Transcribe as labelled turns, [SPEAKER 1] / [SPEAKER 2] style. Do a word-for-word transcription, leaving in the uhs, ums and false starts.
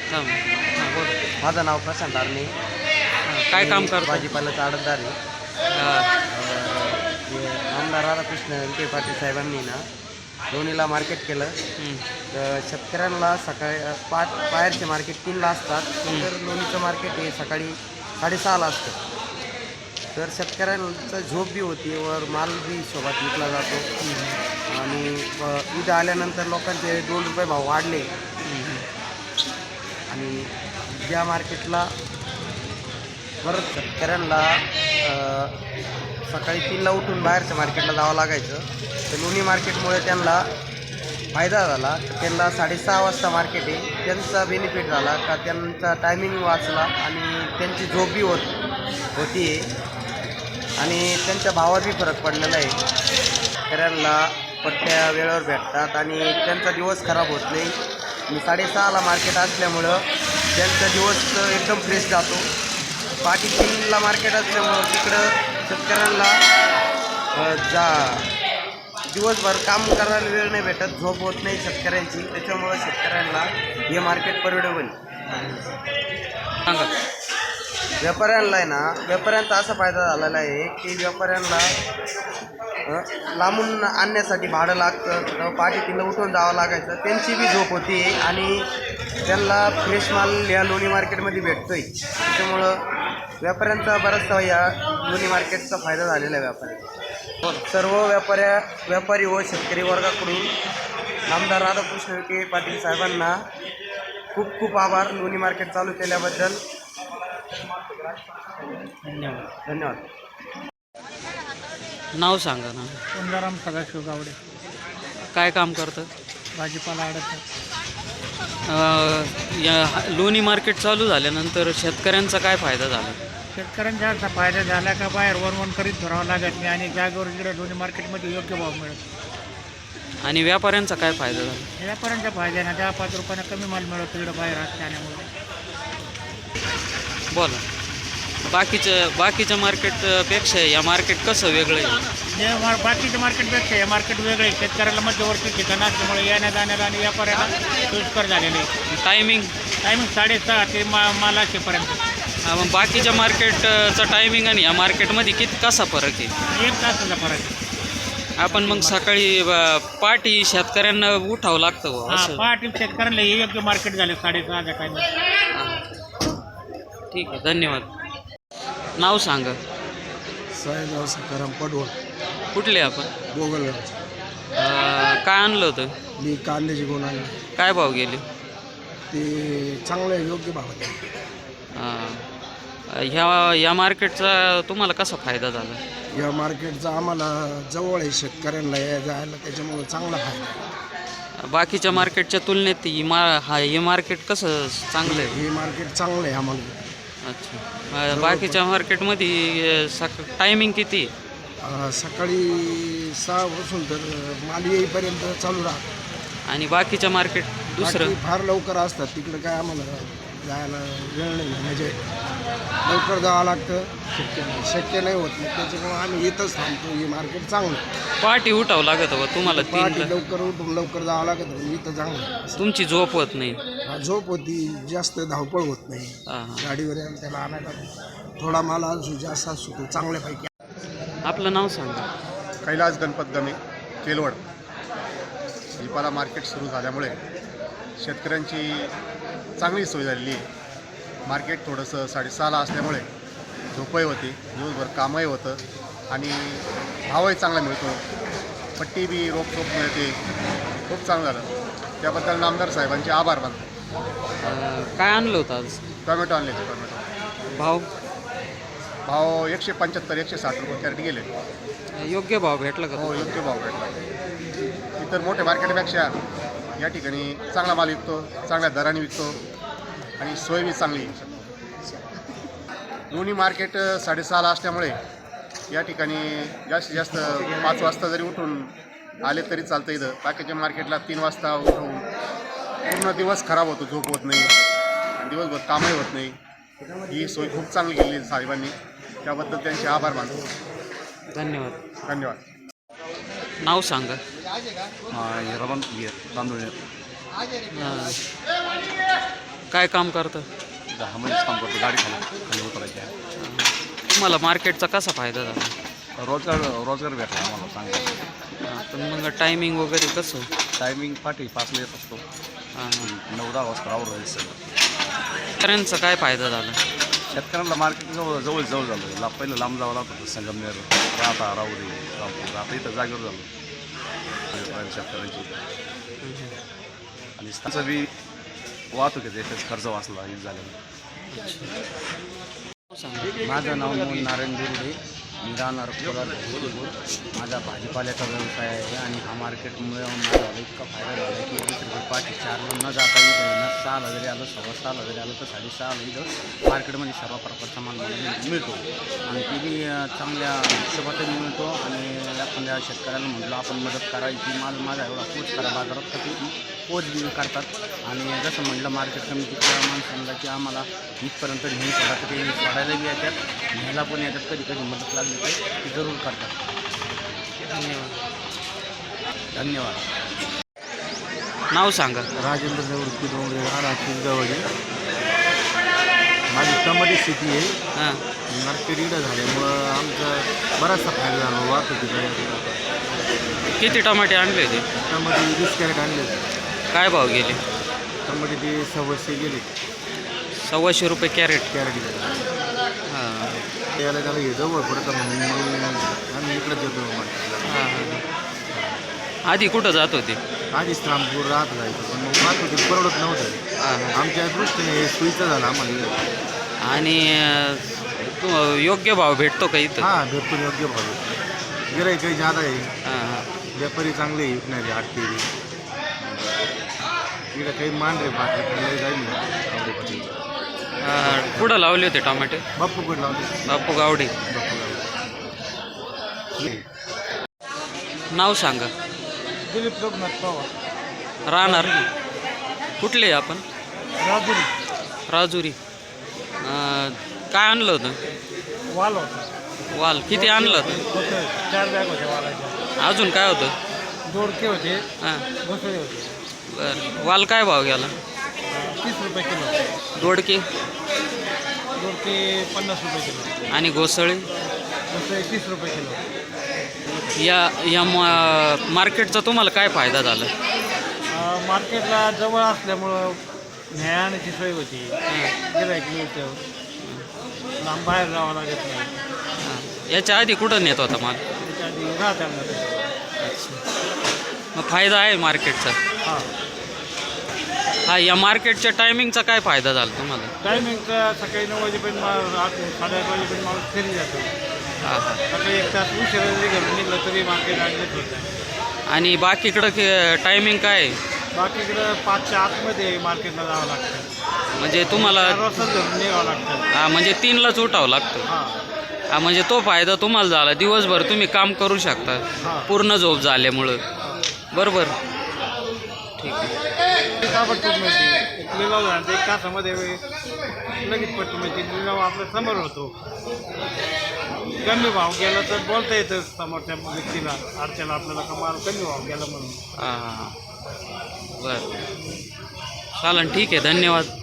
[SPEAKER 1] थांब. हां बोल.
[SPEAKER 2] माझं नाव प्रशांत आर्णे.
[SPEAKER 1] हां, काय काम करतो?
[SPEAKER 2] भाजीपाल्याचा आडतदार आहे.
[SPEAKER 1] हां,
[SPEAKER 2] हे आमदार राधाकृष्ण विखे पाटील साहेबांनी ना लोणीला मार्केट केलं.
[SPEAKER 1] हं,
[SPEAKER 2] तर शेतकऱ्यांना सकाळी अ, पाच बाहेरचे मार्केट तीनला असतात, तर लोणीचं मार्केट हे सकाळी साडेसहाला असतं. तर शेतकऱ्यांचं झोप बी होती वर माल बी सोबत विकला जातो. आणि अ, इथं आल्यानंतर लोकांचे दोन रुपये भाव वाढले.
[SPEAKER 1] हं,
[SPEAKER 2] आणि ज्या मार्केटला परत शेतकऱ्यांना अ, सकाळी तीनला उठून बाहेरच्या मार्केटला जावं लागायचं, तर लोणी मार्केटमुळे त्यांना फायदा झाला. त्यांना साडेसहा वाजता मार्केट आहे, त्यांचा बेनिफिट झाला का त्यांचा टायमिंग वाचला आणि त्यांची झोप बी होत होती आणि त्यांच्या भावात बी फरक पडलेला आहे. शेतकऱ्यांना पट्ट्या वेळेवर भेटतात आणि त्यांचा दिवस खराब होत नाही. आणि साडेसहाला मार्केट असल्यामुळं त्यांचा दिवस एकदम फ्रेश जातो. पाठी तीनला मार्केट असल्यामुळं तिकडं शेतकऱ्यांना अ, जा दिवसभर काम करायला वेळ नाही भेटत, झोप होत नाही शेतकऱ्यांची. त्याच्यामुळं शेतकऱ्यांना हे मार्केट परवडेबल.
[SPEAKER 1] सांगा.
[SPEAKER 2] व्यापाऱ्यांना आहे ना, व्यापाऱ्यांचा असा फायदा झालेला आहे की व्यापाऱ्यांना अ, लांबून आणण्यासाठी भाडं लागतं, तर पाठी तीनला उठून जावं लागायचं. त्यांची बी झोप होती आणि त्यांना फ्रेश माल या लोणी मार्केटमध्ये भेटतो आहे. त्याच्यामुळं व्यापाऱ्यांचा बराचसा या लोणी मार्केटचा फायदा झालेला आहे व्यापाऱ्यांना. सर्व व्यापाऱ्या व्यापारी व शेतकरी वर्गाकडून आमदार राधाकृष्ण विखे पाटील साहेबांना खूप खूप आभार लोणी मार्केट चालू केल्याबद्दल.
[SPEAKER 1] धन्यवाद.
[SPEAKER 2] धन्यवाद.
[SPEAKER 1] नाव सांगा ना.
[SPEAKER 3] गंगाराम सदाशिव गावडे,
[SPEAKER 1] काय काम करतं?
[SPEAKER 3] भाजीपाला आडत.
[SPEAKER 1] अं, या लोणी मार्केट चालू झाल्यानंतर शेतकऱ्यांचा काय फायदा झाला?
[SPEAKER 3] शेतकऱ्यांचा असा फायदा झाला का बाहेर वरवण करीत धरावं लागत नाही आणि जागेवर इकडे दोन्ही मार्केटमध्ये योग्य भाव मिळत.
[SPEAKER 1] आणि व्यापाऱ्यांचा काय फायदा झाला?
[SPEAKER 3] व्यापाऱ्यांच्या फायद्यानं दहा पाच रुपयानं कमी माल मिळतो इकडं बाहेर असल्यामुळे.
[SPEAKER 1] बोला. बाकीच्या बाकीच्या मार्केटपेक्षा या मार्केट कसं वेगळं आहे?
[SPEAKER 3] जे मार बाकीच्या मार्केटपेक्षा हे मार्केट वेगळे आहे. शेतकऱ्याला मध्यवर्ती ठिकाण असल्यामुळे येण्या जाण्याला आणि व्यापाऱ्याला सोयीस्कर झालेले आहे.
[SPEAKER 1] टायमिंग
[SPEAKER 3] टायमिंग साडेसहा ते मा माल असेपर्यंत
[SPEAKER 1] मग बाकीच्या मार्केटचा टायमिंग आणि या मार्केटमध्ये किती कसा फरक आहे?
[SPEAKER 3] एक तासाचा फरक आहे.
[SPEAKER 1] आपण मग सकाळी अ, पहाटे शेतकऱ्यांना उठावं लागतं बुवा,
[SPEAKER 3] हां,
[SPEAKER 1] असं.
[SPEAKER 3] पहाटे शेतकऱ्यांना हे योग्य मार्केट झाले साडेसहाच्या टायमिंग.
[SPEAKER 1] ठीक आहे, धन्यवाद. नाव सांगा.
[SPEAKER 2] साहेबराव सकाराम पडवळ,
[SPEAKER 1] कुठले आपण?
[SPEAKER 2] गोगलगाव.
[SPEAKER 1] अ, काय आणलं होतं?
[SPEAKER 2] मी कांद्याची गुण आणली.
[SPEAKER 1] काय भाव गेले?
[SPEAKER 2] ते चांगलं योग्य भाव आहे.
[SPEAKER 1] अ, ह्या या मार्केटचा तुम्हाला कसा फायदा झाला?
[SPEAKER 2] या मार्केटचा आम्हाला जवळ आहे शेतकऱ्यांना या जायला, त्याच्यामुळं चांगला फायदा आहे.
[SPEAKER 1] बाकीच्या मार्केटच्या तुलनेत ही मा हा हे मार्केट कसं चांगलं आहे?
[SPEAKER 2] हे मार्केट चांगलं आहे आम्हाला.
[SPEAKER 1] अच्छा. अ, बाकीच्या मार्केटमध्ये सक टायमिंग किती?
[SPEAKER 2] अं, सकाळी सहापासून तर माल येईपर्यंत चालू राहतं.
[SPEAKER 1] आणि बाकीच्या मार्केट दुसरं?
[SPEAKER 2] बाकी फार लवकर असतात, तिकडं काय आम्हाला जायला वेळ नाही, म्हणजे लवकर जावं लागतं, शक्य नाही शक्य नाही होत. मग त्याच्यामुळं आम्ही इथंच थांबतो. हे मार्केट चांगलं आहे.
[SPEAKER 1] पहाटे उठावं लागत बा तुम्हाला
[SPEAKER 2] पहाटे
[SPEAKER 1] तीन
[SPEAKER 2] लवकर उठून लवकर जावं लागत, पण इथं चांगलं आहे.
[SPEAKER 1] तुमची झोप होत नाही.
[SPEAKER 2] हा, झोप होती, जास्त धावपळ होत नाही.
[SPEAKER 1] हां हां.
[SPEAKER 2] गाडीवर यायला त्याला आणायला थोडा माल असू जास्त असू तो चांगल्यापैकी.
[SPEAKER 1] आपलं नाव सांगा.
[SPEAKER 4] कैलास गणपत गमे, केलवड. भाजीपाला मार्केट सुरू झाल्यामुळे शेतकऱ्यांची चांगली सोय झालेली आहे. मार्केट थोडंसं साडेसहाला असल्यामुळे झोपही होती, दिवसभर कामही होतं आणि भावही चांगला मिळतो. पट्टी बी रोखोक मिळते. खूप चांगलं झालं, त्याबद्दल नामदार साहेबांचे आभार मानतो.
[SPEAKER 1] अ, काय आणलं होतं आज?
[SPEAKER 4] टोमॅटो आणले होते. टोमॅटो
[SPEAKER 1] भाव
[SPEAKER 4] भाव एकशे पंच्याहत्तर एकशे साठ रुपये कॅरेट गेले.
[SPEAKER 1] योग्य भाव भेटला का?
[SPEAKER 4] हो, योग्य भाव भेटला. इतर मोठ्या मार्केटपेक्षा या ठिकाणी चांगला माल विकतो, चांगल्या दराने विकतो आणि सोय बी चांगली आहे. लोणी मार्केट साडेसहाला असल्यामुळे या ठिकाणी जास्तीत जास्त पाच वाजता जरी उठून आले तरी चालतं. इथं बाकीच्या मार्केटला तीन वाजता उठून पूर्ण दिवस खराब होतो, झोप होत नाही आणि दिवसभर कामही होत नाही. ही सोय खूप चांगली केली साहेबांनी, त्याबद्दल त्यांचे आभार मानतो.
[SPEAKER 1] धन्यवाद.
[SPEAKER 4] धन्यवाद.
[SPEAKER 1] नाव सांगा.
[SPEAKER 5] रमण तांदूळ.
[SPEAKER 1] अ, काय काम करतं?
[SPEAKER 5] दहा महिनेच काम करतो, गाडी खाली खाली उतरायची आहे.
[SPEAKER 1] तुम्हाला मार्केटचा कसा फायदा झाला?
[SPEAKER 5] रोजगार रोजगार भेटला आम्हाला चांगला.
[SPEAKER 1] हां, पण मग टायमिंग वगैरे कसं?
[SPEAKER 5] टायमिंग पाठी पाचला येत असतो,
[SPEAKER 1] हां हां.
[SPEAKER 5] नऊ दहा वाजता आवड सगळं.
[SPEAKER 1] शेतकऱ्यांचा काय फायदा झाला?
[SPEAKER 5] शेतकऱ्यांना मार्केट जवळ जवळ जवळ झालं. ला पहिलं लांब जावं लागत होतं, संगमनेर, राहता राहुरी, रामपूर. आता इथं जागेवर झालं शेतकऱ्यांची. आणि त्यांचा बी वाहतुकीचा याच्यात खर्च वाचला हे झालेलं.
[SPEAKER 2] माझं नाव मोहन नारायण दुर्डे. मी राहणार कोलार भोसरीपूर. माझा भाजीपाल्याचा व्यवसाय आहे आणि हा मार्केटमुळे मला इतका फायदा झाला आहे की वीस रुपये पाठी चारला न जाता इथं न सहाला जरी आलं सव्वा सहाला जरी आलं तर साडेसहाला इथं मार्केटमध्ये सर्व प्रकारचा माल मला मिळतो आणि ते बी चांगल्या हिशोबातही मिळतो. आणि एखाद्या शेतकऱ्याला म्हटलं आपण मदत करायची, माल माझा एवढा पोच करा बाजारात तर ते पोच बी करतात. आणि जसं म्हटलं मार्केट कमिटीच्या माणसांना की आम्हाला इथपर्यंत नेहमी सोडा तर ते सोडायला बी येतात, न्यायला पण येतात, कधी कधी मदत लागली तर ते जरूर करतात. धन्यवाद. धन्यवाद.
[SPEAKER 1] नाव सांगा.
[SPEAKER 6] राजेंद्र निवृत्ती डोंगरे, राहणार किंजवडी. माझी टमाटे शेती आहे.
[SPEAKER 1] हां.
[SPEAKER 6] मार्केट इकडं झाल्यामुळं आमचा बराचसा फायदा झाला वाहतुकीचा.
[SPEAKER 1] किती टमाटे आणले होते?
[SPEAKER 6] टमाटे वीस कॅरेट आणले होते.
[SPEAKER 1] काय भाव गेले?
[SPEAKER 6] टमाटे ते सव्वाशे गेले
[SPEAKER 1] सव्वाशे रुपये कॅरेट.
[SPEAKER 6] कॅरेट गेले.
[SPEAKER 1] हां
[SPEAKER 6] याला त्याला हे जवळ पडतं म्हणून आम्ही इकडंच येतो मार्केटला.
[SPEAKER 1] हां. आधी कुठं जात होते?
[SPEAKER 6] आधीच रामपूर राहत जायचं पण मग वाहतुकीत परवडत नव्हतं.
[SPEAKER 1] हां हां.
[SPEAKER 6] आमच्या दृष्टीने हे सोयीचं झालं आम्हाला.
[SPEAKER 1] आणि अं, तू योग्य भाव भेटतो का इथं?
[SPEAKER 6] हां, भरपूर योग्य भाव. गिराईक काही जादा आहे,
[SPEAKER 1] हां हां.
[SPEAKER 6] व्यापारी चांगले विकणारे आठतेरी. इकडं काही मांडरे पाठी जाईल आवडे
[SPEAKER 1] अं, कुठं लावले होते टमाटे?
[SPEAKER 6] बाप्पू कडे लावले.
[SPEAKER 1] बापू गावडे.
[SPEAKER 6] बाप्पू गावडे.
[SPEAKER 1] नाव सांगा.
[SPEAKER 3] दिलीप रघुनाथ पवार,
[SPEAKER 1] राहणार कुठले आपण?
[SPEAKER 3] राजुरी.
[SPEAKER 1] राजुरी. अं, काय आणलं होतं?
[SPEAKER 3] वाल होता.
[SPEAKER 1] वाल किती आणलं होतं?
[SPEAKER 3] होते चार बॅग होते वालाच्या.
[SPEAKER 1] अजून काय होतं?
[SPEAKER 3] दोडके होते,
[SPEAKER 1] हां.
[SPEAKER 3] घोसळे होते.
[SPEAKER 1] बरं. वाल काय भाव गेला?
[SPEAKER 3] तीस रुपये किलो.
[SPEAKER 1] दोडके
[SPEAKER 3] दोडके पन्नास रुपये किलो.
[SPEAKER 1] आणि घोसळे?
[SPEAKER 3] घोसळे तीस रुपये किलो.
[SPEAKER 1] या या मा- मार्केटचा तुम्हाला काय फायदा झाला?
[SPEAKER 3] अं, मार्केटला जवळ असल्यामुळं न्यायाची सोय होती, गिराईक मिळतं, लांब बाहेर जावं लागत नाही.
[SPEAKER 1] हां. याच्या आधी कुठं नेत होता माल?
[SPEAKER 3] त्याच्या आधी राहत्या.
[SPEAKER 1] मग फायदा आहे मार्केटचा.
[SPEAKER 3] हां.
[SPEAKER 1] हा, या मार्केटच्या टायमिंगचा काय फायदा झाला तुम्हाला?
[SPEAKER 3] टायमिंगचा सकाळी नऊ वाजेपर्यंत माल आठ साडेआठ वाजेपर्यंत माल फिरी जातो.
[SPEAKER 1] हां हां.
[SPEAKER 3] सकाळी एक तास उशिरा जरी घरून निघलं तरी मार्केट ॲडजस्ट होतं.
[SPEAKER 1] आणि बाकीकडं टायमिंग काय आहे?
[SPEAKER 3] बाकीकडं पाचच्या आतमध्ये मार्केटला जावं लागतं.
[SPEAKER 1] म्हणजे तुम्हाला
[SPEAKER 3] चार वाजता घरून निघावं लागतं.
[SPEAKER 1] हा, म्हणजे तीनलाच उठावं लागतं.
[SPEAKER 3] हां
[SPEAKER 1] हा, म्हणजे तो फायदा तुम्हाला झाला. दिवसभर तुम्ही काम करू शकता
[SPEAKER 3] हां.
[SPEAKER 1] पूर्ण झोप झाल्यामुळं. बरोबर. ठीक आहे.
[SPEAKER 3] ताबडतोब मिळते. एक लिलाव झाला तर एक तासामध्ये लगेच पट्टी मिळते. लिलाव आपल्या समोर होतो. कमी भाव गेला तर बोलता येतं समोरच्या व्यक्तीला, अर्च्याला आपल्याला का माल कमी भाव गेला म्हणून.
[SPEAKER 1] हां हां हां. बरं. चालेल, ठीक आहे. धन्यवाद.